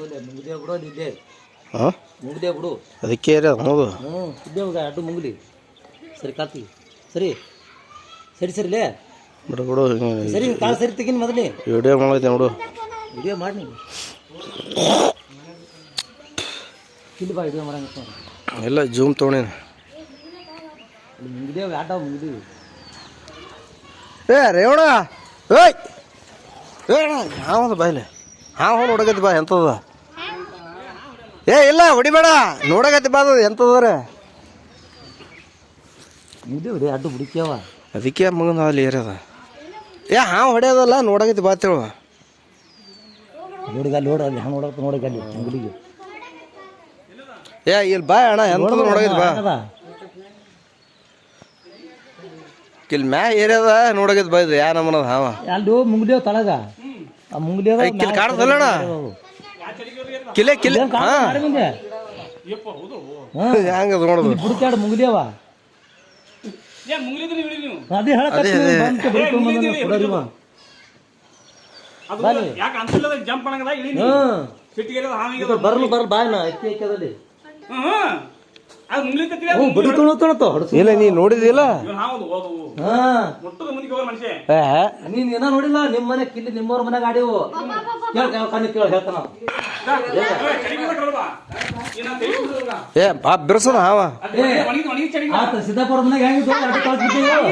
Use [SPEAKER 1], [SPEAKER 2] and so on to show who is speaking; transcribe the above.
[SPEAKER 1] ಹಾಂ
[SPEAKER 2] ಮುಗ್ದೆ ಬಿಡು
[SPEAKER 1] ಅದಕ್ಕೆ ಅನ್ನೋದು
[SPEAKER 2] ಇದ್ದೇ ಹೋಗ ಅಡ್ಡು ಮುಂಗ್ಲಿ ಸರಿ ಕಾಲ್ತಿ ಸರಿ ಸರಿ ಸರಿಲೇ
[SPEAKER 1] ಬಿಡು ಬಿಡು
[SPEAKER 2] ಸರಿ ಕಾಲು ಸರಿ ತೆಗಿನ್ ಮೊದಲೇ
[SPEAKER 1] ವಿಡಿಯೋ ಮಾಡೈತೆ ನೋಡು
[SPEAKER 2] ವಿಡಿಯೋ ಮಾಡಿ ನೀವು ಇಲ್ಲಿ ಬಾ ವಿಡಿಯೋ ಮಾಡಂಗ
[SPEAKER 1] ಎಲ್ಲ ಜೂಮ್ ತೊಗೊಂಡೇನು
[SPEAKER 2] ಮುಗಿದೇವು ಆಟ ಮುಗಿದೀವಿ
[SPEAKER 1] ಏ ರೇವಣ ಏಯ್ ಏಣ ಯಾವುದು ಬಾಯ್ಲೆ ಹಾಂ ನೋಡಕತ್ತಿ ಬಾ ಎಂಥದ ಏ ಇಲ್ಲ ಹೊಡಿಬೇಡ ನೋಡಕತ್ತಿ ಬಾ ಅದು ಎಂಥದವ್ರೆ
[SPEAKER 2] ಮುಗಿದೇವು ರೀ ಅಡ್ಡು ಹುಡುಕ್ಯಾವ
[SPEAKER 1] ಅದಕ್ಕೆ ಮಗನ ಅಲ್ಲಿ ಏರ್ಯದ ಏ ಹಾಂ ಹೊಡೆಯೋದಲ್ಲ ನೋಡಕತ್ತಿ ಬಾ ತಿಳುವ
[SPEAKER 2] ನೋಡಿಗ ನೋಡ ಅಲ್ಲಿ ಹಂಗೆ ನೋಡಕ್ಕೆ ನೋಡಿಗ ಅಲ್ಲಿ ಅಂಗಡಿಗೆ
[SPEAKER 1] ಏ ಇಲ್ಲಿ ಬಾ ಅಣ್ಣ ಎಂಥದ್ದು ನೋಡಕತ್ತಿ ಬಾ ಇಲ್ಲಿ ಮ್ಯಾ ಏರ್ಯದ ನೋಡಕತ್ತಿ ಬಾ ಇದು ಯಾ ನಮ್ಮನದ ಹಾವ
[SPEAKER 2] ಅಲ್ಲಿ ಮುಂಗ್ದೇವ್ ತಳಗ ಆ ಮುಂಗ್ದೇವ್
[SPEAKER 1] ಕಿಲ್ ಕಾಣದಲ್ಲಣ್ಣ ಕಿಲೆ ಕಿಲೆ ಹಾಂ ಹೆಂಗದ ನೋಡೋದು
[SPEAKER 2] ಬುಡ್ಕ್ಯಾಡ ಮುಂಗ್ದೇವ ಅದೇ ಬರ್ಲು ಬರ್ಲು ಬಾಯ್ನ ಎಕ್ಕದಲ್ಲಿ
[SPEAKER 1] ಇಲ್ಲ ನೀ ನೋಡಿದಿಲ್ಲ
[SPEAKER 2] ನೀನ್ ಏನೋ ನೋಡಿಲ್ಲ ನಿಮ್ ಮನೆ ಕಿಲ್ಲಿ ನಿಮ್ಮವ್ರ ಮನೆಗೆ ಆಡಿವು ಕಣ್ಣು ಕೇಳ ಹೇಳ್ತಾನ
[SPEAKER 1] ಏ ಬಾ ಬಿರ್ಸದ ಹಾವ
[SPEAKER 2] ಸಿದ್ದಾಪುರ ಮನೆಗೆ ಹೆಂಗಿದ್ದು